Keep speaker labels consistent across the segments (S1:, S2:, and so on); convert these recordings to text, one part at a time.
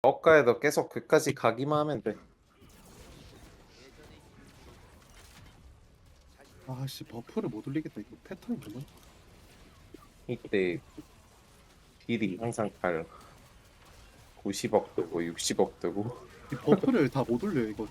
S1: 억가에도 계속 그까지 가기만 하면 돼.
S2: 아씨 버프를 못 올리겠다. 이거 패턴이 뭐야?
S1: 이때 딜이 항상 달라. 90억 뜨고 60억 뜨고.
S2: 이 버프를 다 못 올려 이거.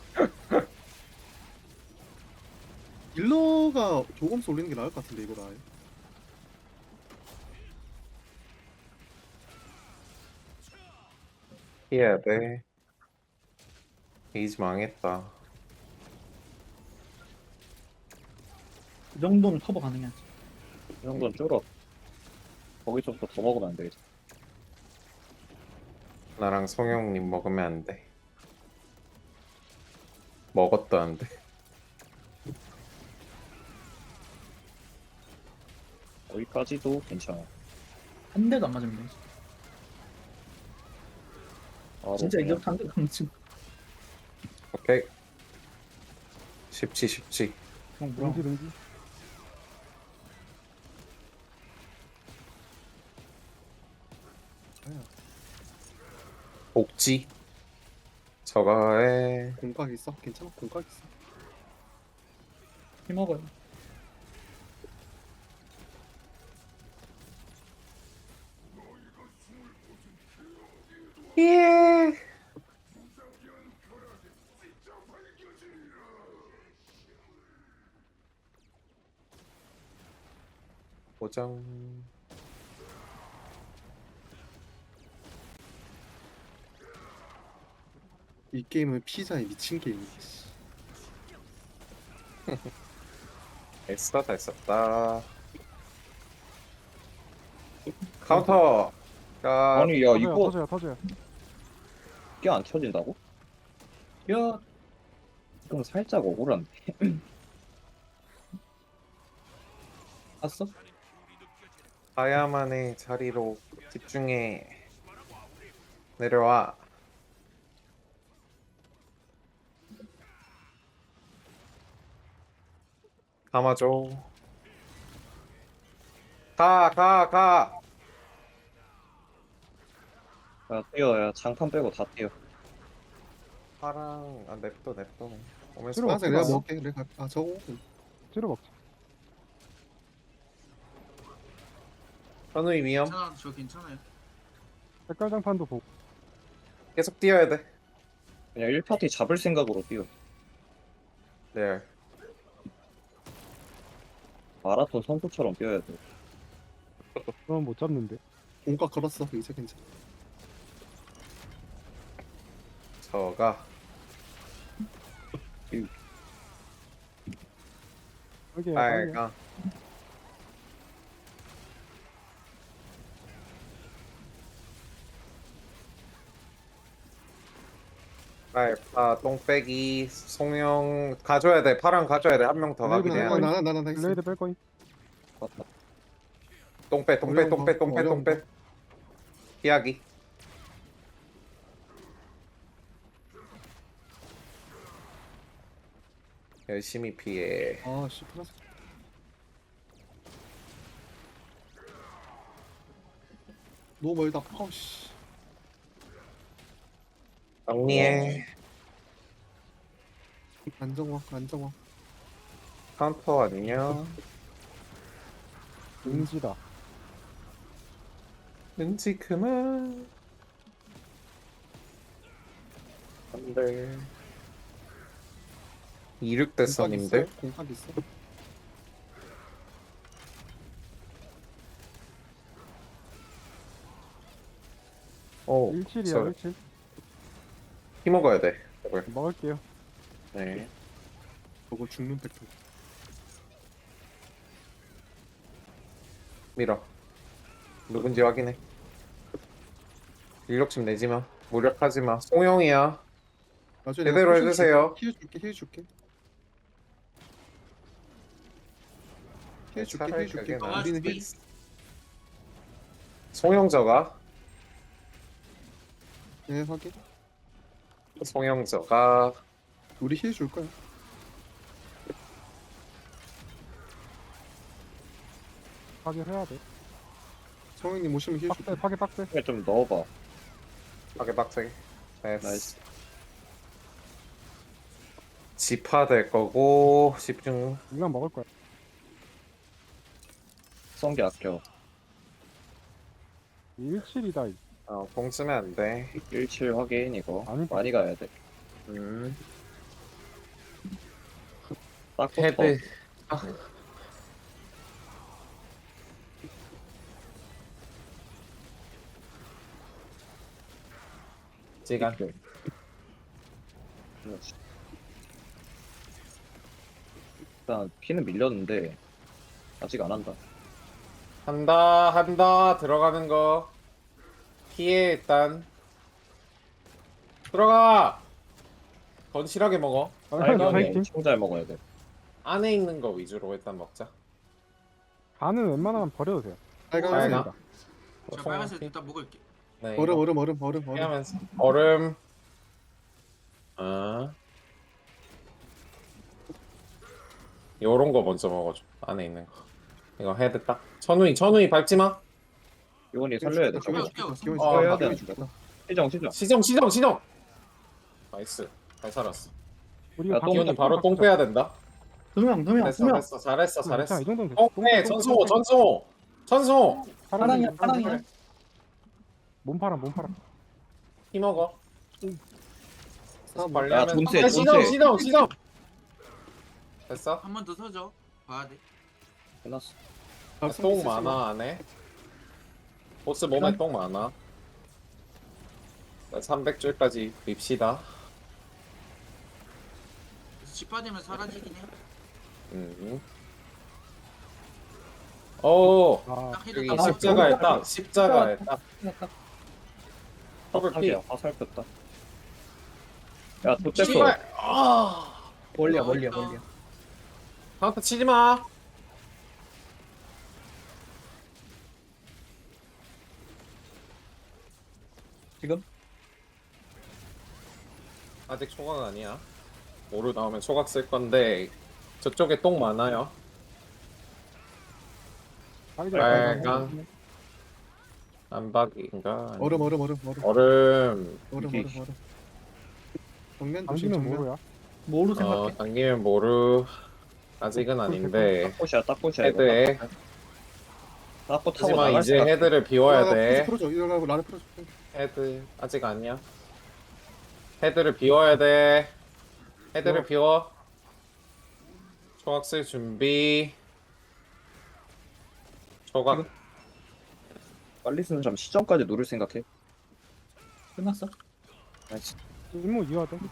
S2: 딜러가 조금씩 올리는 게 나을 것 같은데 이거 아예.
S1: 해야 돼. 게이지 망했다.
S3: 이 정도는 커버 가능하지.
S4: 이 정도는 줄어. 거기서부터 더 먹으면 안 되겠지.
S1: 나랑 성형님 먹으면 안 돼. 먹었도 안 돼.
S4: 거기까지도 괜찮아.
S3: 한 대도 안 맞으면 되지.
S4: 바로
S3: 진짜
S4: 그냥
S3: 이제부터 한 대도 안 맞으면
S1: 오케이. 쉽지.
S3: 그냥 뭐야.
S5: 능지
S2: 아야.
S1: 복지. 저거에
S2: 공각 있어? 괜찮아? 공각 있어?
S3: 힘먹어요.
S1: 예. 고정.
S2: 이 게임은 피자에 미친 게임이야. 씨.
S1: 애쓰다 다 했었다. 카운터. 야,
S4: 아니 야 이거
S5: 터져요.
S4: 이게 안 쳐진다고? 야 이건 살짝 억울한데. 봤어?
S1: 가야만의 자리로 집중해. 내려와. 감아줘. 가.
S4: 야 뛰어. 야 장판 빼고 다 뛰어.
S1: 파랑 냅둬. 오면서
S5: 들어와,
S2: 맞아 내가
S5: 들어와.
S2: 먹게. 내가 저거
S5: 찌러 먹자.
S1: 현우이 위험.
S3: 괜찮아, 저 괜찮아요.
S5: 색깔 장판도 보고.
S1: 계속 뛰어야 돼.
S4: 그냥 1파티 잡을 생각으로 뛰어.
S1: 네.
S4: 마라톤 선수처럼 뛰어야 돼.
S5: 그건 못 잡는데.
S2: 공각 걸었어. 이제 괜찮아.
S1: 저가
S5: 빨개.
S1: 빨강. 빨파 똥빼기 송영 가져야 돼. 파랑 가져야 돼. 한 명 더 가게 돼야 돼.
S2: 나나 있어.
S5: 블레이드 뺄 거임.
S4: 맞다.
S1: 똥빼. 피하기. 열심히 피해.
S2: 아씨 플라스. 너무 멀다. 아우씨.
S1: 정리해.
S2: 안정화.
S1: 카운터 안녕.
S5: 능지다.
S1: 왠지 그만. 안돼. 26대선님들.
S2: 공각 있어.
S1: 오,
S5: 17이야, 17.
S1: 피 먹어야 돼. 저걸.
S5: 먹을게요.
S1: 네.
S2: 저거 죽는 패턴.
S1: 밀어. 누군지 확인해. 인력심 내지 마. 무력하지 마. 송영이야.
S2: 나중에
S1: 제대로
S2: 내가
S1: 해주세요.
S2: 힐 줄게.
S1: 차라리 그게 나아.
S2: 우리는 힐.
S1: 송영저가.
S2: 네 확인.
S1: 송영저가.
S2: 우리 힐 줄 거야.
S5: 파괴해야 돼.
S2: 성형님 오시면 힐 줄게.
S5: 빡세.
S4: 그냥 좀 넣어봐.
S1: 하게 빡세게.
S4: 나이스.
S1: 나이스. 지파 될 거고 집중.
S5: 이건 먹을 거야.
S4: 성기 아껴.
S5: 17이다.
S1: 공 쓰면 안 돼.
S4: 17 확인 이거.
S5: 아니,
S4: 많이 가야 돼. 딱 붙어.
S1: 헤드. 시간.
S4: 일단 피는 밀렸는데 아직 안 한다.
S1: 한다 들어가는 거 피해. 일단 들어가. 건실하게 먹어.
S5: 파이팅.
S4: 알경이 엄청 잘 먹어야 돼.
S1: 안에 있는 거 위주로 일단 먹자.
S5: 간은 웬만하면 버려도 돼요.
S2: 빨강
S1: 빨강.
S2: 하세요.
S3: 저 빨간색 일단 먹을게.
S1: 네,
S2: 얼음.
S1: 피하면서 얼음. 요런 거 먼저 먹어줘. 안에 있는 거. 이거 헤드 딱. 천우이 밟지 마.
S4: 이건이 살려야 돼. 저거.
S2: 기원이
S1: 어,
S2: 죽었다.
S1: 해야
S2: 기원이
S4: 돼.
S2: 죽었다.
S4: 시정.
S1: 나이스. 잘 살았어.
S5: 우리
S4: 야, 똥
S1: 기훈이 바로 똥 빼야 된다.
S3: 두명
S1: 됐어. 잘했어.
S5: 이 정도면 됐어.
S1: 똥 빼. 전승호.
S3: 파랑이야.
S5: 몸 팔아.
S1: 피 먹어.
S2: 싸움.
S4: 야, 존세.
S1: 시정. 됐어.
S3: 한 번 더 서줘. 봐야 돼.
S4: 끝났어.
S1: 똥 많아 안에. 보스 몸에 똥 많아. 300줄까지 밉시다.
S3: 집화되면 사라지긴 해.
S1: 오.
S5: 아,
S3: 딱 해도
S1: 여기
S3: 딱
S1: 십자가에 딱. 십자가에 딱. 더블 피.
S4: 화살이야. 화살 폈다. 야, 도대체
S1: 씨발.
S3: 멀리야.
S1: 카운터 치지 마.
S3: 지금?
S1: 아직 초각 아니야. 오류 나오면 초각 쓸 건데 저쪽에 똥 많아요. 빨강. 안박인가?
S2: 얼음.
S1: 얼음.
S2: 정면 조심
S5: 당기면
S2: 정면.
S5: 뭐야?
S3: 뭐로 생각해?
S1: 당기면 모르. 아직은 아닌데.
S4: 딱 꽃이야.
S1: 헤드에.
S4: 딱꽃 타고
S1: 하지만
S4: 나갈
S1: 이제
S4: 것 같아.
S1: 헤드를 비워야 돼.
S2: 풀어줘. 이러고 나를 풀어줘.
S1: 헤드 아직 아니야. 헤드를 비워야 돼. 헤드를 비워. 초각 쓸 준비. 초각.
S4: 빨리 쓰는 점 시점까지 누를 생각해.
S3: 끝났어?
S4: 나이스.
S5: 임무 이어야 돼.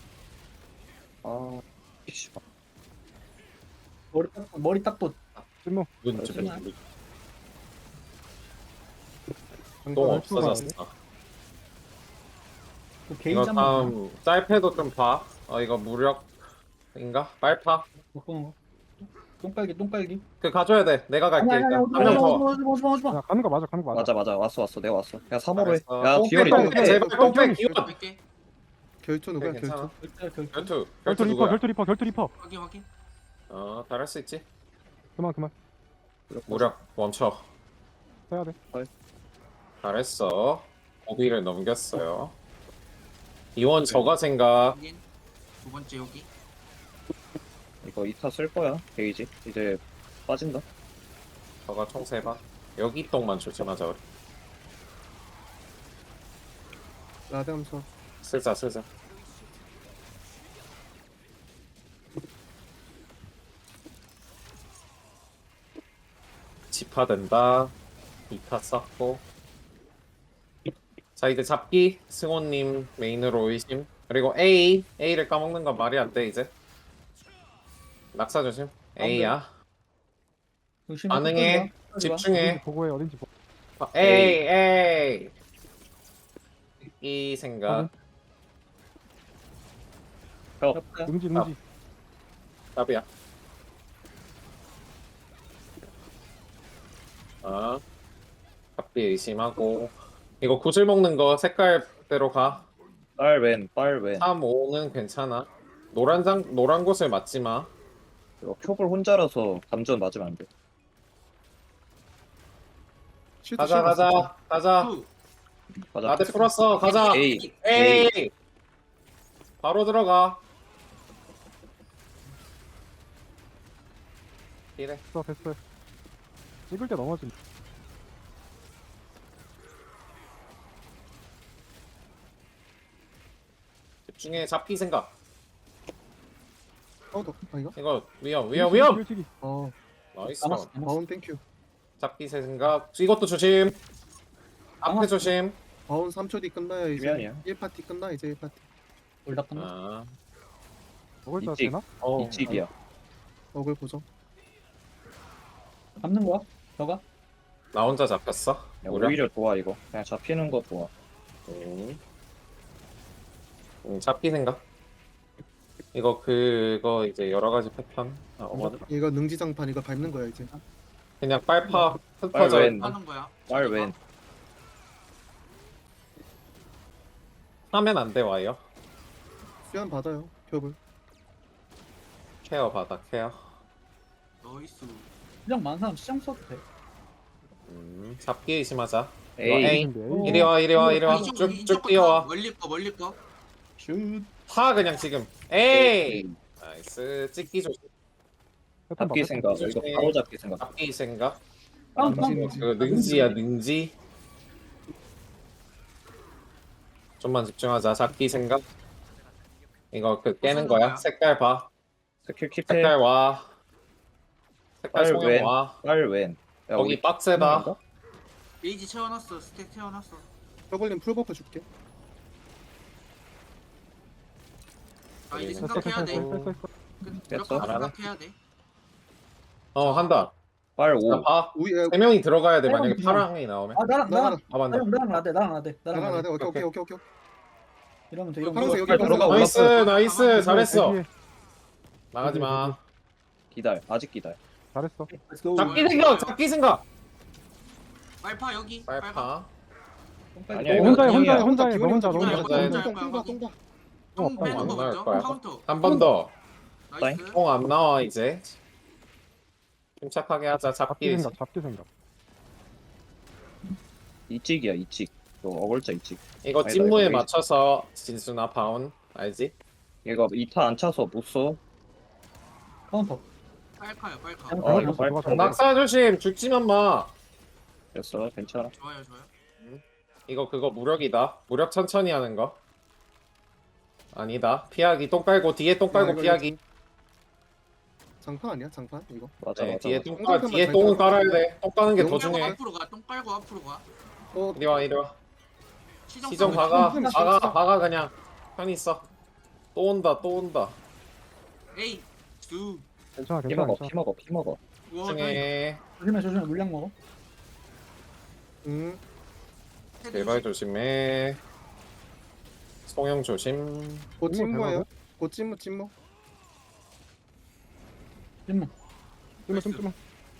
S4: 아, 씨.
S3: 머리 딱도
S5: 임무.
S1: 눈 좀.
S3: 잠시만.
S1: 똥
S2: 방금
S1: 없어졌어.
S3: 그
S1: 이거
S3: 게이지 한번
S1: 다음 짤패도 좀 봐. 이거 무력인가? 빨파.
S3: 똥깔기.
S1: 그 가져야 돼. 내가 갈게 일단. 한 명 더.
S3: 오지마.
S5: 야, 가는 거 맞아.
S4: 맞아. 왔어. 내가 왔어. 야, 3호로 해.
S1: 알았어.
S4: 야,
S1: 똥
S4: 비열이
S1: 빼,
S4: 똥
S1: 똥 빼,
S4: 빼.
S1: 제발 똥빼 기원.
S3: 뺄게.
S2: 결투 누구야?
S1: 괜찮아.
S2: 결투.
S1: 결투.
S5: 결투 리퍼. 결투 리퍼.
S3: 확인.
S1: 잘할 수 있지.
S5: 그만.
S1: 무력 멈춰.
S5: 해야 돼.
S1: 잘했어. 고비를 넘겼어요. 이원 저가 생각.
S3: 확인. 두 번째 여기.
S4: 이거 2타 쓸 거야. 게이지. 이제 빠진다.
S1: 저가 총 3방. 여기 똥만 조심하자 우리.
S2: 라데함서.
S1: 쓰자. 집화된다. 2타 쌓고. 자 이제 잡기. 승호님 메인으로 의심. 그리고 A를 까먹는 건 말이 안 돼 이제. 낙사 조심. A야. 반응해. 집중해.
S5: 어딘지 보고해. 어딘지 보고.
S1: A. 이 생각.
S5: 응지.
S1: 답이야. 답비 의심하고. 이거 구슬 먹는 거 색깔대로 가.
S4: 빨
S1: 3, 5는 괜찮아. 노란 곳을 맞지 마.
S4: 이거 표볼 혼자라서 감전 맞으면 안 돼.
S2: 쉴드
S1: 가자.
S3: 투.
S4: 가자.
S1: 나대 풀었어. 가자.
S4: A.
S1: 에이. 바로 들어가. 이래.
S5: 됐어. 찍을 때 넘어진.
S1: 집중해. 잡기 생각.
S2: 카운터. 아닌가?
S1: 이거 위험.
S5: 찔찌기.
S2: 어.
S1: 나이스.
S3: 남았어.
S2: 바운 땡큐.
S1: 잡기 생각. 이것도 조심. 앞에
S3: 남았어.
S1: 조심.
S2: 바운 3초 뒤 끝나야 이제.
S4: 미안이야.
S2: 1파티 끝나 이제 1파티.
S3: 올다 끝나.
S1: 아.
S5: 먹을 때
S4: 이찍.
S5: 되나?
S4: 이찍이야.
S2: 어글 보정.
S3: 잡는 거야? 너가?
S1: 나 혼자 잡혔어.
S4: 야,
S1: 무려.
S4: 오히려 좋아 이거. 그냥 잡히는 거 좋아.
S1: 잡기 생각. 이거 그거 이제 여러 가지 패턴 나오거든.
S2: 얘가 능지장판 이거 밟는 거야 이제.
S1: 그냥 빨파 흩어져
S4: 빨
S1: 있나?
S3: 하는 거야.
S4: 빨 왼.
S1: 하면 안 돼 와요.
S2: 수연 받아요. 겹을.
S1: 케어 받아 케어.
S3: 나이스. 그냥 많은 사람 시장 써도 돼.
S1: 잡기 의심하자.
S4: A.
S1: 에이.
S5: 근데
S1: 이리 와
S3: 이쪽,
S1: 쭉
S3: 이쪽
S1: 뛰어와.
S3: 멀리 거.
S2: 슛.
S1: 파 그냥 지금. 에이. 나이스. 찍기 조심.
S4: 잡기 생각. 이거 바로 잡기 생각.
S1: 잡기 생각.
S3: 다운
S2: 능지.
S1: 그 능지야 능지. 좀만 집중하자. 잡기 생각. 이거 그 깨는 거야. 색깔 봐.
S4: 스킬 킵해.
S1: 색깔 와. 색깔
S4: 빨
S1: 소형
S4: 왼.
S1: 와.
S4: 빨 왼. 야,
S1: 거기
S4: 우리
S1: 빡세다.
S3: 베이지 채워놨어. 스택 채워놨어.
S2: 더블님 풀버프 줄게.
S3: 아 이제
S1: 됐어,
S3: 생각해야 돼.
S5: 됐어.
S3: 무조건
S1: 잘하네.
S3: 생각해야 돼.
S1: 한다.
S4: 빨
S1: 자,
S4: 5.
S1: 봐.
S2: 우리
S1: 세 명이 들어가야 돼. 만약에
S3: 그냥.
S1: 파랑이 나오면.
S3: 아 나랑
S2: 나가라.
S1: 맞네.
S3: 나대.
S2: 나가 나가. 오케이.
S3: 이러면 돼.
S2: 파란색 여기
S4: 빨리
S2: 파란색.
S4: 들어가.
S1: 나이스 잘했어.
S5: 뒤에.
S1: 나가지 마.
S4: 기다려. 아직 기다려.
S5: 잘했어.
S1: 잡기 생각.
S3: 빨파 여기.
S1: 빨파.
S4: 아니야,
S5: 너
S4: 이거
S5: 혼자 해.
S4: 형이야.
S5: 혼자 해. 너 혼자.
S3: 혼자 해.
S2: 똥똥똥똥.
S3: 똥 빼는
S1: 안
S3: 거
S1: 나올
S3: 먼저.
S1: 거야.
S3: 카운터.
S1: 한 번 더.
S3: 나이스.
S1: 똥 안 나와 이제. 침착하게 하자.
S5: 잡기
S1: 잡기.
S5: 생각.
S4: 이찍이야 이찍. 너 어글자 이찍.
S1: 이거
S4: 아니다,
S1: 찐무에
S4: 이거
S1: 맞춰서 진수나 바운 알지?
S4: 얘가 2타 안 차서 못 써.
S3: 카운터. 빨파요. 빨파.
S4: 이거 빨
S5: 들어가.
S1: 낙사 조심. 죽지만 마.
S4: 됐어. 괜찮아.
S3: 좋아요.
S1: 이거 그거 무력이다. 무력 천천히 하는 거. 아니다. 피하기. 똥 깔고 뒤에 똥 깔고
S2: 이거
S1: 피하기.
S2: 장판 아니야? 장판 이거.
S4: 맞아
S1: 네,
S4: 맞아.
S1: 뒤에
S4: 맞아.
S1: 뒤에 똥은 깔아야 돼. 똥 까는 게 더
S2: 똥
S1: 중요해.
S3: 앞으로 가. 똥 빨고 앞으로 가.
S2: 어.
S1: 이리 와. 시정
S3: 싸움
S1: 박아 그냥. 편히 있어. 또 온다.
S3: 에이. 두.
S5: 괜찮아.
S4: 피 먹어.
S3: 와.
S1: 중에
S3: 조심해. 물량 먹어.
S1: 제발 조심해. 송영 조심.
S2: 곧
S5: 찐무
S2: 찐무예요. 곧 찐무.
S5: 찜마.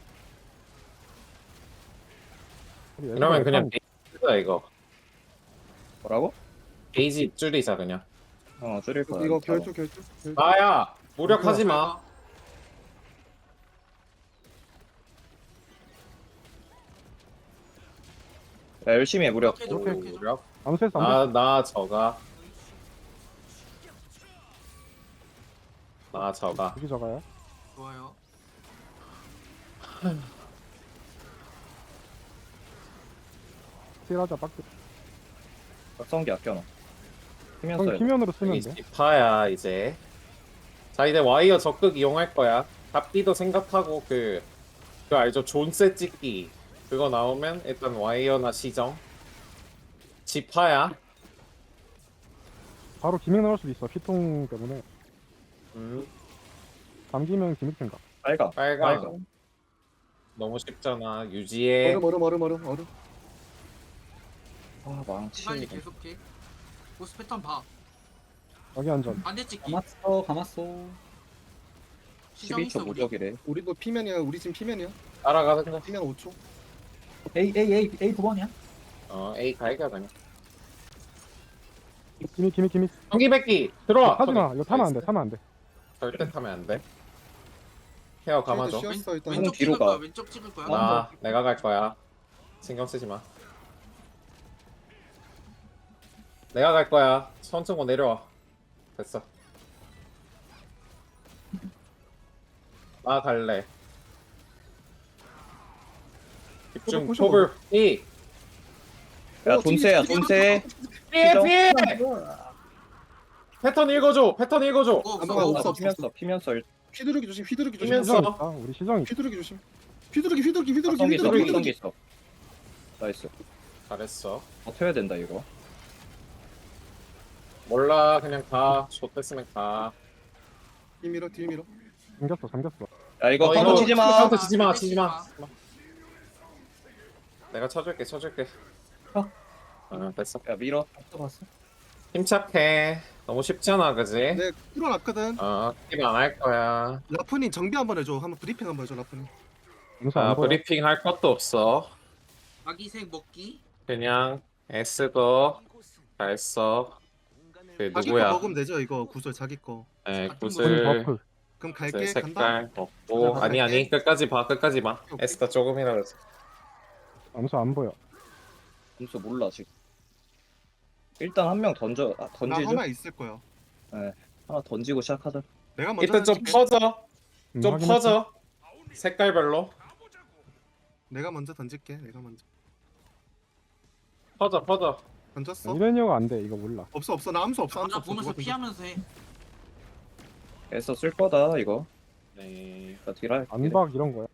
S1: 이러면 그냥 게이지다 이거.
S4: 뭐라고?
S1: 게이지 줄이자 그냥.
S4: 줄일 거야.
S2: 이거 결투.
S1: 나야 무력하지 마.
S4: 야, 열심히 해 무력.
S3: 오케이.
S1: 무력.
S5: 아무 센스 안
S1: 나 저가.
S5: 여기 저가요.
S3: 좋아요.
S5: 딜하자 빡대.
S4: 각성기 아껴놔. 키면
S5: 형
S4: 써야 돼.
S5: 키면으로 쓰면
S1: 이
S5: 돼.
S1: 지파야 이제. 자 이제 와이어 적극 이용할 거야. 잡기도 생각하고 그 알죠? 존세 찍기 그거 나오면 일단 와이어나 시정. 지파야.
S5: 바로 기믹 나올 수도 있어. 피통 때문에. 감기면 기믹 생각.
S1: 빨강. 너무 쉽잖아. 유지해.
S2: 얼음.
S4: 아 망치.
S3: 빨리 계속해. 보스 패턴 봐.
S5: 여기 안전.
S3: 반대 찍기.
S6: 감았어.
S3: 시정 있어
S4: 12초
S3: 우리.
S4: 무적이래.
S2: 우리도 피면이야. 우리 지금 피면이야.
S1: 따라가는 거.
S2: 피면 5초.
S6: A 9번이야?
S1: A 갈겨 그냥.
S5: 기믹.
S1: 전기백기 들어와.
S5: 하지 마. 이거 타면 안 돼.
S1: 나이스. 절대 타면 안 돼. 케어 감아줘.
S2: 쉬었어 일단.
S3: 왼쪽
S4: 뒤로
S3: 찍을
S4: 가.
S3: 거야. 왼쪽 찍을 거야.
S1: 내가 갈 거야. 신경 쓰지 마. 내가 갈 거야. 천천히 내려와. 됐어. 나 갈래. 집중
S2: 포셔
S1: 톱을 이
S4: 야 돈세야 돈세.
S1: 피해
S4: 시정.
S1: 피해. 패턴 읽어줘. 패턴 읽어줘.
S2: 없어.
S4: 피면서
S2: 휘두르기 조심. 휘두르기 조심.
S1: 피면서.
S5: 시정 있다. 우리 시정 있다.
S2: 휘두르기 조심. 휘두르기.
S4: 각성기 있어
S1: 휘두르기.
S4: 각성기 있어. 나이스.
S1: 잘했어.
S4: 버텨야 된다 이거.
S1: 몰라 그냥 가. 좆됐으면 가.
S2: 뒤 밀어.
S5: 잠겼어.
S4: 야 이거
S1: 어,
S4: 카운터
S1: 이거
S4: 치지 마.
S1: 카운터 치지 마. 내가 쳐줄게. 됐어.
S4: 야 밀어.
S6: 봤어.
S1: 힘착해. 너무 쉽잖아, 그지?
S2: 네, 풀어놨거든.
S1: 킵 안 할 거야.
S2: 라푼이 정비 한번 해줘. 한번 브리핑 한번 해줘, 라푼이.
S5: 암수 안 보여.
S1: 브리핑 할 것도 없어.
S7: 아기색 먹기.
S1: 그냥 애쓰고 잘 써. 그
S2: 자기 거
S1: 누구야?
S2: 먹으면 되죠, 이거 구슬 자기 거.
S1: 에
S5: 우리
S1: 구슬
S5: 버프.
S2: 그럼
S1: 그
S2: 갈게. 간다.
S1: 색깔 먹고
S2: 간다,
S1: 아니 끝까지 봐.
S2: 오케이.
S1: 에스다 조금이라도.
S5: 암수 안 보여.
S4: 점수 몰라 지금. 일단 한 명 던져.
S2: 나
S4: 던지죠.
S2: 하나 있을 거야.
S4: 하나 던지고 시작하자.
S2: 내가 먼저
S1: 일단 좀
S2: 던질게.
S1: 퍼져. 좀
S5: 확인했어.
S1: 퍼져. 색깔별로
S2: 내가 먼저 던질게. 내가 먼저.
S1: 퍼져.
S2: 던졌어?
S5: 이래니어가 안 돼. 이거 몰라.
S2: 없어. 나 암수 없어.
S7: 나 보면서 피하면서 해.
S4: 애써 쓸 거다 이거.
S1: 네.
S4: 나 딜할.
S5: 안박 이런 거야.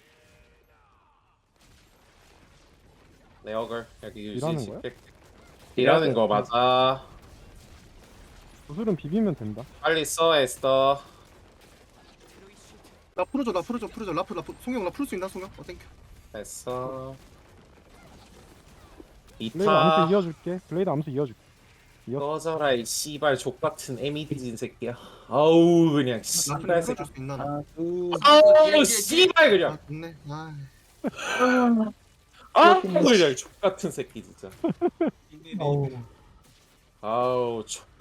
S1: 내 어글 여기
S5: 일하는
S1: 유지.
S5: 거야?
S1: 일하는 거 맞아.
S5: 구슬은 비비면 된다.
S1: 빨리 써 에스더.
S2: 나 풀어줘. 라프. 송영 나 풀 수 있나, 송영? 땡큐.
S1: 됐어.
S5: 블레이드 암수
S1: 2타
S5: 이어줄게. 블레이드 암수 이어줄게.
S1: 꺼져라 이 씨발 족같은 에미디진 새끼야. 아우 그냥
S2: 라푼이
S1: 씨발 새끼.
S2: 풀어줄 수 있나, 나.
S1: 아우 씨발 그냥.
S2: 아, 좋네. 아.
S1: 아우 그냥 족같은 새끼 진짜.
S6: 어우.
S1: 아우